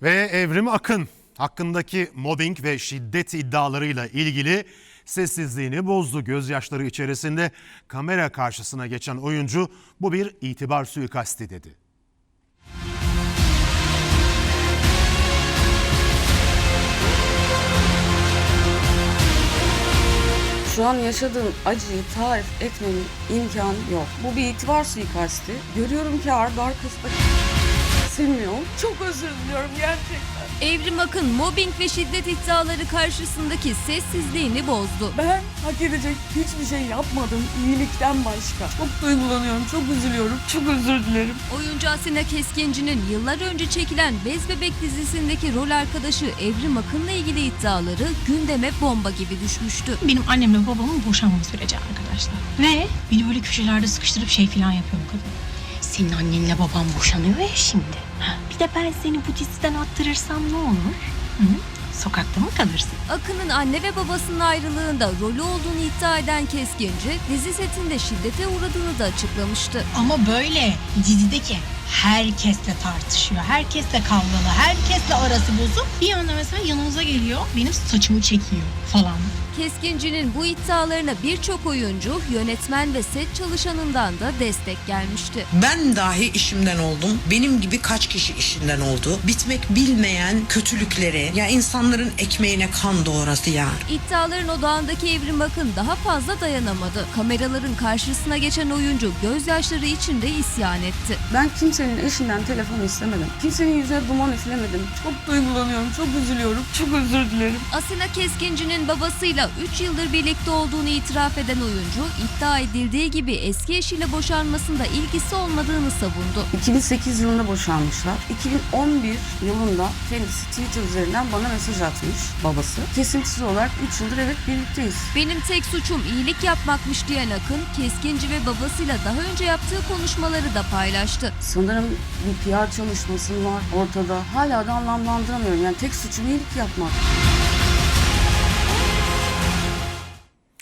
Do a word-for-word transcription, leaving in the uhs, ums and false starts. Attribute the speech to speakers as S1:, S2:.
S1: Ve Evrim Akın hakkındaki mobbing ve şiddet iddialarıyla ilgili sessizliğini bozdu. Gözyaşları içerisinde kamera karşısına geçen oyuncu bu bir itibar suikasti dedi.
S2: Şu an yaşadığım acıyı tarif etmenin imkanı yok. Bu bir itibar suikasti. Görüyorum ki ardı arkasında silmiyorum. Çok özür diliyorum gerçekten.
S3: Evrim Akın mobbing ve şiddet iddiaları karşısındaki sessizliğini bozdu.
S2: Ben hak edecek hiçbir şey yapmadım iyilikten başka. Çok duygulanıyorum, çok üzülüyorum, çok özür dilerim.
S3: Oyuncu Asena Keskinci'nin yıllar önce çekilen Bez Bebek dizisindeki rol arkadaşı Evrim Akın'la ilgili iddiaları gündeme bomba gibi düşmüştü.
S4: Benim annemle babamın boşanma süreci arkadaşlar. Ve beni böyle köşelerde sıkıştırıp şey falan yapıyor bu kadın. Senin annenle baban boşanıyor ya şimdi. Ha, bir de ben seni bu diziden attırırsam ne olur? Hı? Sokakta mı kalırsın?
S3: Akın'ın anne ve babasının ayrılığında rolü olduğunu iddia eden Keskinci, dizi setinde şiddete uğradığını da açıklamıştı.
S4: Ama böyle dizideki herkesle tartışıyor. Herkesle kavgalı, herkesle arası bozuk. Bir anda mesela yanımıza geliyor, benim saçımı çekiyor falan.
S3: Keskinci'nin bu iddialarına birçok oyuncu, yönetmen ve set çalışanından da destek gelmişti.
S5: Ben dahi işimden oldum. Benim gibi kaç kişi işinden oldu. Bitmek bilmeyen kötülükleri, ya insanların ekmeğine kan doğrası ya.
S3: İddiaların odağındaki Evrim Akın daha fazla dayanamadı. Kameraların karşısına geçen oyuncu gözyaşları içinde isyan etti.
S2: Ben kimsenin eşinden telefon istemedim. Kimsenin yüzüne duman üflemedim. Çok duygulanıyorum, çok üzülüyorum, çok özür dilerim.
S3: Asena Keskinci'nin babasıyla üç yıldır birlikte olduğunu itiraf eden oyuncu, iddia edildiği gibi eski eşiyle boşanmasında ilgisi olmadığını savundu.
S2: iki bin sekiz yılında boşanmışlar. iki bin on bir yılında kendisi Twitter üzerinden bana mesaj atmış babası. Kesintisiz olarak üç yıldır evet birlikteyiz.
S3: Benim tek suçum iyilik yapmakmış diyen Akın, Keskinci ve babasıyla daha önce yaptığı konuşmaları da paylaştı.
S2: Sanırım bir P R çalışması var ortada. Hala da anlamlandıramıyorum. Yani tek suçum iyilik yapmak.